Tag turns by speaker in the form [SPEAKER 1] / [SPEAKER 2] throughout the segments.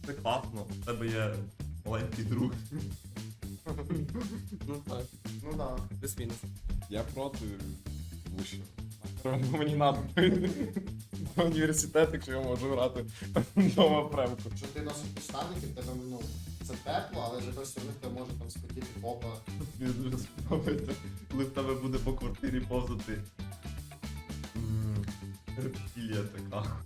[SPEAKER 1] Це класно, в тебе є маленький друг.
[SPEAKER 2] Ну так,
[SPEAKER 3] Ну да.
[SPEAKER 2] плюс-мінус.
[SPEAKER 4] Я проти, тому що мені треба до університету, якщо я можу грати вдома премку.
[SPEAKER 3] Якщо ти носиш підштанники, в тебе, ну, це тепло, але ж якось все одно може там спотіти попа.
[SPEAKER 1] Мені дуже сподобається, коли в тебе буде по квартирі повзати. Рептилія така.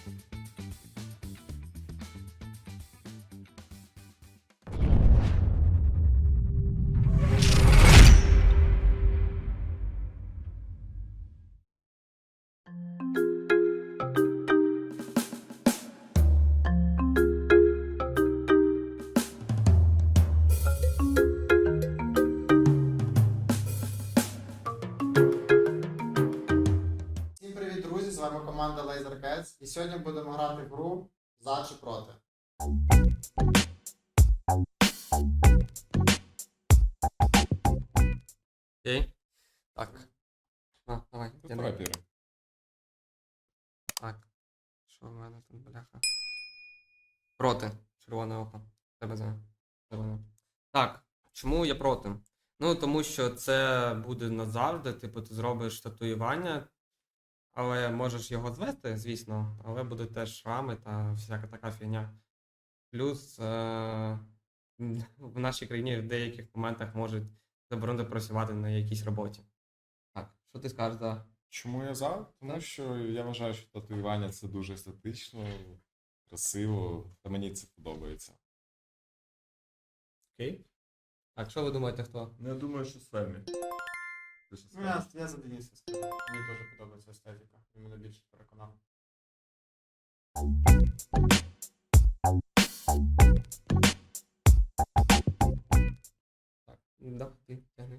[SPEAKER 3] Всім привіт, друзі! З вами команда Laser Cats. І сьогодні будемо грати в гру за чи проти.
[SPEAKER 2] Окей. Так. Давай, я
[SPEAKER 4] Давай
[SPEAKER 2] не...
[SPEAKER 4] піри.
[SPEAKER 2] Так. Що в мене тут, бляха? Проти. Червоне око. Тебе за. Так. Чому я проти? Ну, тому що це буде назавжди, типу, ти зробиш татуювання, але можеш його звести, звісно, але буде теж шрами та всяка така фігня. Плюс в нашій країні в деяких моментах можуть заборонити працювати на якійсь роботі. Так, що ти скажеш за?
[SPEAKER 4] Чому я за? Тому що я вважаю, що татуювання це дуже естетично, красиво, та мені це подобається.
[SPEAKER 2] Окей. Так, що ви думаєте, хто?
[SPEAKER 1] Ну я думаю, що Семі. Ти що
[SPEAKER 3] Ну,
[SPEAKER 1] скажеш?
[SPEAKER 3] я за Дениса скажу. Мені теж подобається естетика. Він мене більше переконав.
[SPEAKER 2] Так, да, ти тягни.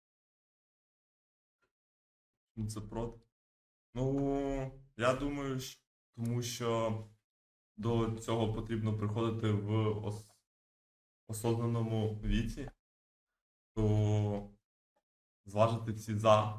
[SPEAKER 1] Ну, це проти. Ну, я думаю, тому що до цього потрібно приходити в осознаному віці, то зважити всі за.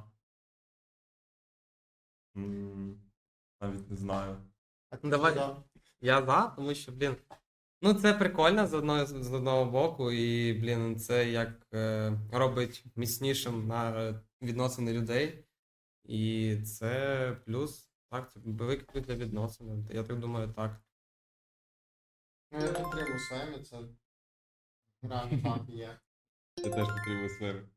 [SPEAKER 1] Навіть не знаю.
[SPEAKER 3] А
[SPEAKER 2] Ну, давай.
[SPEAKER 3] за?
[SPEAKER 2] Я за, тому що, блін. Ну, це прикольно з одного боку, і, блін, це як робить міцнішим на відносини людей. І це плюс, так, це великий плюс для відносин. Я так думаю, так.
[SPEAKER 3] Ну, я підтримую Семі, це реально так і є.
[SPEAKER 4] Я теж підтримую сфери.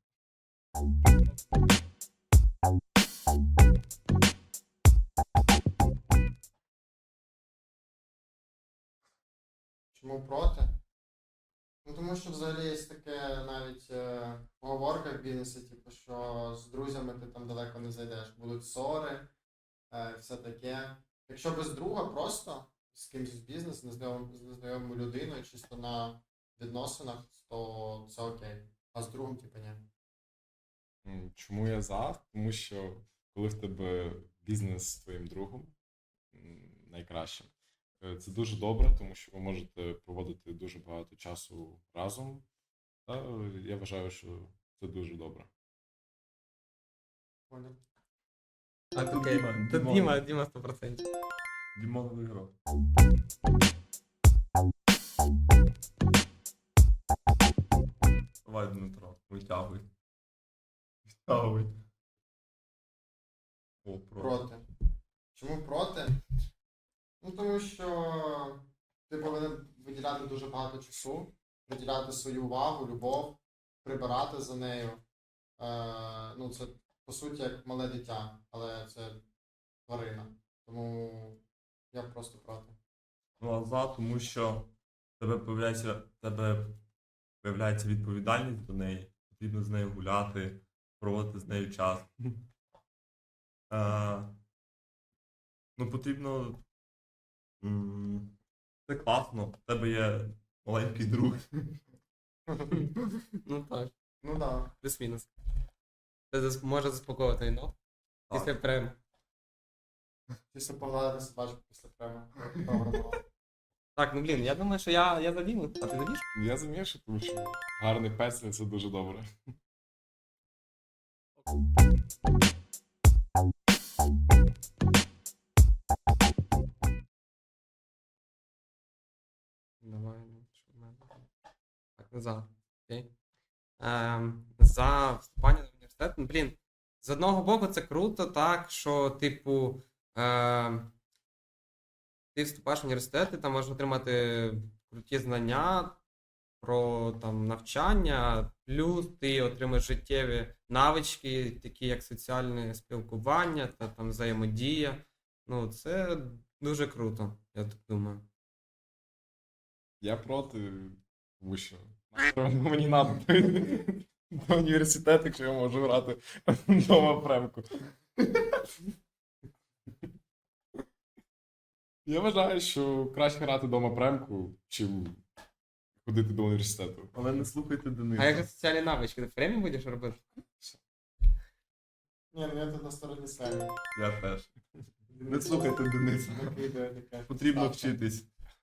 [SPEAKER 3] Чому проти? Ну, тому що взагалі є таке навіть поговорка в бізнесі, типу, що з друзями ти там далеко не зайдеш. Будуть ссори, все таке. Якщо без друга просто з кимось з бізнесу, з незнайомою людиною, чисто на відносинах, то це окей. А з другом, типу, ні.
[SPEAKER 4] Чому я за? Тому що коли в тебе бізнес з твоїм другом, найкраще. Це дуже добре, тому що ви можете проводити дуже багато часу разом. Та я вважаю, що це дуже добре.
[SPEAKER 3] Понял?
[SPEAKER 2] Так,
[SPEAKER 1] Тут
[SPEAKER 2] окей.
[SPEAKER 1] Діма,
[SPEAKER 2] Тут
[SPEAKER 1] Дімон.
[SPEAKER 2] Діма 100%.
[SPEAKER 1] Дімон виграв. Давай, Дмитро, витягуй. Витягуй. О,
[SPEAKER 3] Проти. Чому проти? Ну, тому що ти повинен виділяти дуже багато часу, виділяти свою увагу, любов, прибирати за нею. Ну, це, по суті, як мале дитя, але це тварина. Тому я просто проти.
[SPEAKER 1] Ну, а за, тому що тебе появляється відповідальність до неї, потрібно з нею гуляти, проводити з нею час. Ну, потрібно. Це класно, в тебе є маленький друг.
[SPEAKER 2] Ну так,
[SPEAKER 3] Ну да.
[SPEAKER 2] плюс-мінус. Це може заспокоїти війну після прем.
[SPEAKER 3] Після погладити собачку після прямо. Добре було.
[SPEAKER 2] Так, ну блін, я думаю, що я за Діму. А ти за Мішу?
[SPEAKER 4] Я замішу, тому що гарний песня це дуже добре.
[SPEAKER 2] Давай, ну, що в мене там? Так, за. Окей. За вступання до університету. Ну, блін, з одного боку, це круто, так, що, типу, ти вступаєш в університет, і там можеш отримати круті знання про там, навчання, плюс ти отримаєш життєві навички, такі як соціальне спілкування та там взаємодія. Ну, це дуже круто, я так думаю.
[SPEAKER 4] Я проти, тому що мені надо до університету, якщо я можу грати вдома премку. Я вважаю, що краще грати вдома премку, чим ходити до університету.
[SPEAKER 1] Але не слухайте Дениса.
[SPEAKER 2] А як же соціальні навички? Ти в премі будеш робити?
[SPEAKER 3] Ні, ну я тут на стороні Семі.
[SPEAKER 1] Я теж. Не слухайте Дениса.
[SPEAKER 3] Накидує таке.
[SPEAKER 1] Потрібно
[SPEAKER 3] Ставка.
[SPEAKER 1] вчитись.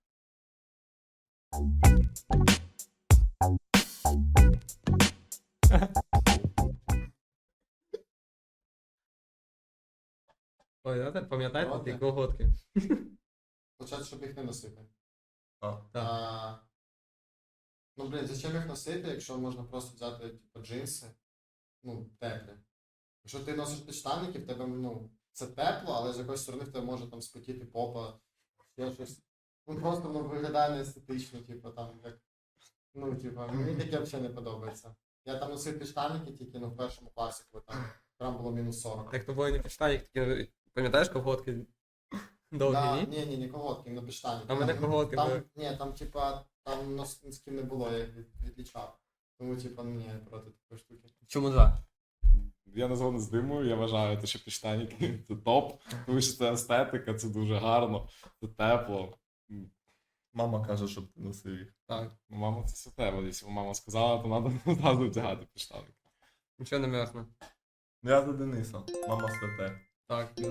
[SPEAKER 2] Ой, пам'ятаєте
[SPEAKER 3] Ладно.
[SPEAKER 2] ті колготки?
[SPEAKER 3] Почати, щоб їх не носити.
[SPEAKER 1] А,
[SPEAKER 3] А, ну, блін, зачем їх носити, якщо можна просто взяти, типу, джинси, ну, теплі. Якщо ти носиш підштанники, в тебе, ну, це тепло, але з якоїсь сторони в тебе може там спотіти попа, ще щось. Ну, просто воно виглядає не естетично, типу, там, як, ну, типу, мені таке взагалі не подобається. Я там носив підштанники тільки, ну, в першому класі, коли там було мінус 40.
[SPEAKER 2] Так то було не підштанник, такі, пам'ятаєш колготки? Довгі,
[SPEAKER 3] Да,
[SPEAKER 2] ні?
[SPEAKER 3] ні, колготки, на підштанники.
[SPEAKER 2] А в мене колготки були.
[SPEAKER 3] Ні, там, типа, там носків не було, я їх відлічав. Тому, типа, ні, я проти такої штуки.
[SPEAKER 2] Чому за?
[SPEAKER 4] Я не згоден з Димою, я вважаю, що підштанники це топ, тому що це естетика, це дуже гарно, це тепло.
[SPEAKER 1] мама каже, щоб ти носив їх.
[SPEAKER 2] Так.
[SPEAKER 4] Ну, мама, це святе, бо якщо мама сказала, то треба одразу вдягати підштанники.
[SPEAKER 2] Нічого не м'ясно.
[SPEAKER 1] Ну я за Дениса. Мама святе.
[SPEAKER 2] Так, плюс.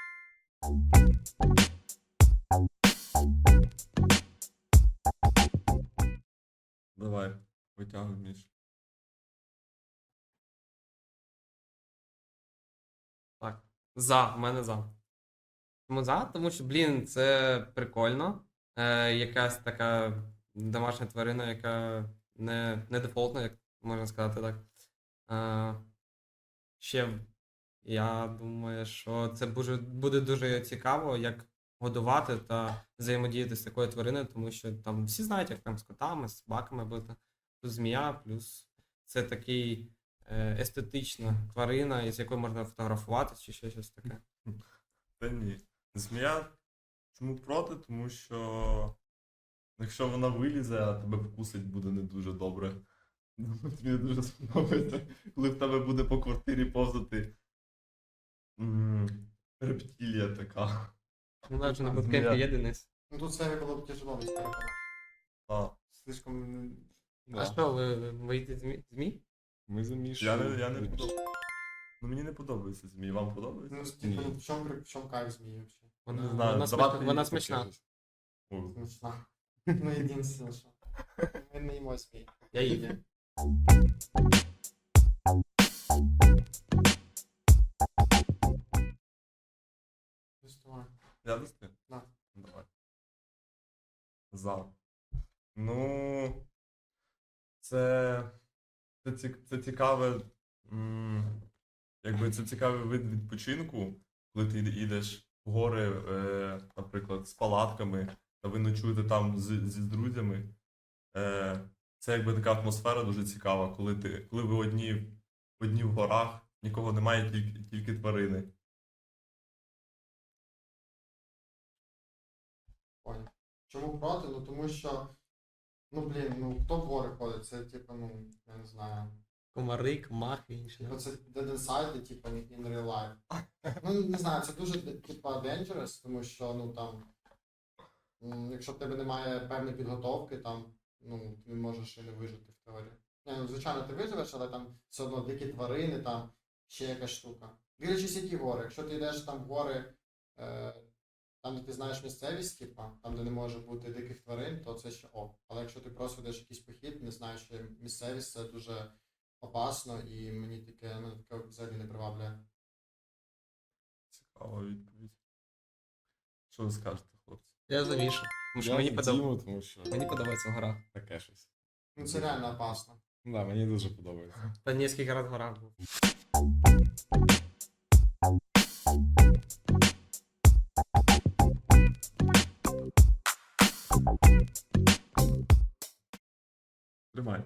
[SPEAKER 1] Давай, витягуй Міш.
[SPEAKER 2] Так. За, в мене за. Чому за? Тому що, блін, це прикольно. Якась така домашня тварина, яка не дефолтна, як можна сказати так. Ще я думаю, що це буде дуже цікаво, як годувати та взаємодіяти з такою твариною, тому що там всі знають, як там з котами, з собаками бути. Плюс змія, плюс це такий естетична тварина, з якою можна фотографуватися чи ще щось таке.
[SPEAKER 1] Та ні. Змія чому проти? Тому що якщо вона вилізе, а тебе вкусить буде не дуже добре. Тобі не дуже сподобається, коли в тебе буде по квартирі повзати рептилія така.
[SPEAKER 2] Ну, навіть на
[SPEAKER 1] Змія.
[SPEAKER 2] буткемпі є Денис.
[SPEAKER 3] Ну, тут Семі було б тяжело десь переконати.
[SPEAKER 1] А,
[SPEAKER 3] Слишком...
[SPEAKER 2] А
[SPEAKER 4] Да.
[SPEAKER 2] що, ви боїтесь змій?
[SPEAKER 4] Ми замішуємо.
[SPEAKER 1] я не подобається. Ну мені не подобається змії. Вам подобається?
[SPEAKER 3] Ну, типу, ну, в чому кайф змії вообще?
[SPEAKER 2] Вона,
[SPEAKER 1] Не знаю,
[SPEAKER 2] вона,
[SPEAKER 1] давати
[SPEAKER 2] смачна, вона
[SPEAKER 1] їй
[SPEAKER 2] смачна.
[SPEAKER 1] таке. О,
[SPEAKER 3] Смішно. Ну, єдине, що. Ми не їмо змій.
[SPEAKER 2] Я їм.
[SPEAKER 3] Доставай.
[SPEAKER 1] Я вести?
[SPEAKER 3] Да.
[SPEAKER 1] Давай. За. Ну. Це цікаве. Якби це цікавий вид відпочинку, коли ти йдеш в гори, наприклад, з палатками, та ви ночуєте там з друзями. Це якби така атмосфера дуже цікава, коли ви одні в горах, нікого немає, тільки тварини.
[SPEAKER 3] Понял. Чому проти? Ну, тому що, ну, блін, ну, хто в гори ходить? Це, типу, ну, я не знаю.
[SPEAKER 2] Комари, комахи, інші.
[SPEAKER 3] Типу, це Dead Inside, типу, in real life. Ну, не знаю, це дуже, типу, dangerous, тому що, ну, там, якщо в тебе немає певної підготовки, там, ну, ти можеш і не вижити в теорії. Ні, ну, звичайно, ти виживеш, але там все одно дикі тварини, там, ще якась штука. Дивлячись, які гори. Якщо ти йдеш там в гори, там, де ти знаєш місцевість, типа, там, де не може бути диких тварин, то це ще ок. Але якщо ти просто йдеш якийсь похід, не знаєш, що місцевість, це дуже опасно, і мені таке, ну, таке взагалі не приваблює.
[SPEAKER 1] Цікава відповідь. Що ви скажете, хлопці?
[SPEAKER 2] Я за Мішу. Тому що
[SPEAKER 4] Я
[SPEAKER 2] мені,
[SPEAKER 4] за Діму, тому що
[SPEAKER 2] мені подобається в горах.
[SPEAKER 4] таке щось.
[SPEAKER 3] Ну це реально опасно.
[SPEAKER 4] Ну да, мені дуже подобається.
[SPEAKER 2] Та ні, скільки раз в горах був.
[SPEAKER 1] Тримай.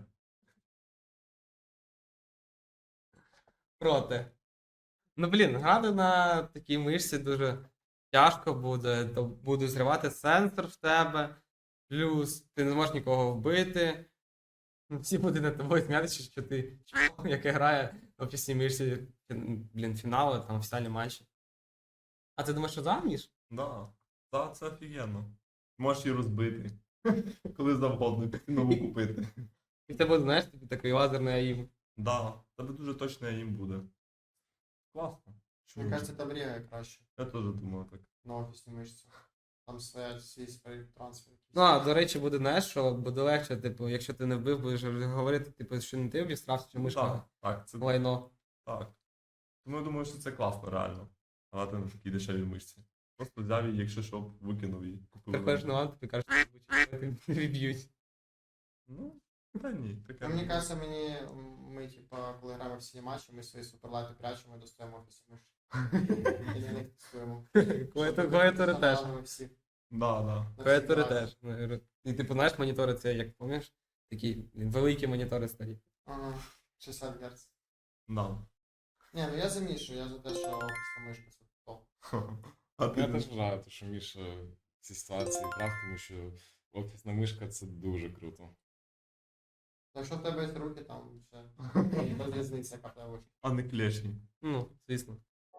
[SPEAKER 2] Проти. Ну, блін, грати на такій мишці дуже тяжко буде, то буде зривати сенсор в тебе, плюс ти не зможеш нікого вбити. Ну, всі будуть над тобою сміятися, що ти чмо, яке грає на офісній мишці, блін, фінали, там, фінальні матчі. А ти думаєш, що заміж?
[SPEAKER 1] Да. Да, це офігенно. Можеш її розбити. Коли завгодно, піти нову купити.
[SPEAKER 2] І в тебе, знаєш, тобі такий лазерний аїм.
[SPEAKER 1] Да, в тебе дуже точно їм буде. Класно.
[SPEAKER 3] Мені кажеться, там рігає краще
[SPEAKER 1] Я теж думав так.
[SPEAKER 3] на офісну мишцю. Там стоять свій трансфер.
[SPEAKER 2] Ну, а до речі, буде, знаєш, що буде легше, типу, якщо ти не вбив, будеш говорити, типу, що не ти обістрався, чи мишка
[SPEAKER 1] Так, так, це
[SPEAKER 2] лайно.
[SPEAKER 1] так. Тому я думаю, що це класно, реально. Грати на такій дешевій мишці. Просто взяв її, якщо що, викинув її. купив
[SPEAKER 2] Приходиш
[SPEAKER 1] нову.
[SPEAKER 2] на лан, тобі кажуть, що ти відб'ють.
[SPEAKER 1] Ну, та ні, таке.
[SPEAKER 3] Ну, мені
[SPEAKER 1] не
[SPEAKER 3] кажеться, ми, типа, коли граємо всі матчі, ми свої суперлайти прячемо і достаємо офісну мишку. І на них тестуємо.
[SPEAKER 2] Клавіатури теж.
[SPEAKER 3] Всі.
[SPEAKER 1] Да, да.
[SPEAKER 3] На всіх
[SPEAKER 2] Клавіатури
[SPEAKER 3] девайсах.
[SPEAKER 2] теж. І типу, знаєш, монітори це, як пам'ятаєш, такі великі монітори старі.
[SPEAKER 3] Ага, 60 Гц.
[SPEAKER 1] Да.
[SPEAKER 3] Ні, ну я за Мішу, я за те, що офісна мишка це топ.
[SPEAKER 1] А
[SPEAKER 4] Я
[SPEAKER 1] ти
[SPEAKER 4] теж вважаю, що Міша в цій ситуації прав, тому що офісна мишка це дуже круто.
[SPEAKER 3] Якщо в тебе є руки, там все. Без різниці, яка в тебе вийшла.
[SPEAKER 1] а не клешні.
[SPEAKER 2] Ну, звісно.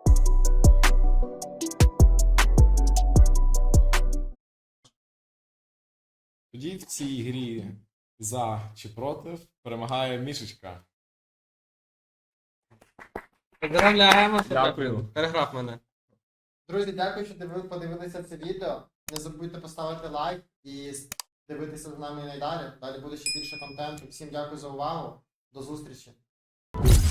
[SPEAKER 4] Тоді в цій грі за чи проти перемагає Мішечка.
[SPEAKER 2] Поздравляємо,
[SPEAKER 1] Дякую.
[SPEAKER 2] Переграв мене.
[SPEAKER 3] Друзі, дякую, що подивилися це відео. Не забудьте поставити лайк і дивитися за нами і надалі. Далі буде ще більше контенту. Всім дякую за увагу. До зустрічі.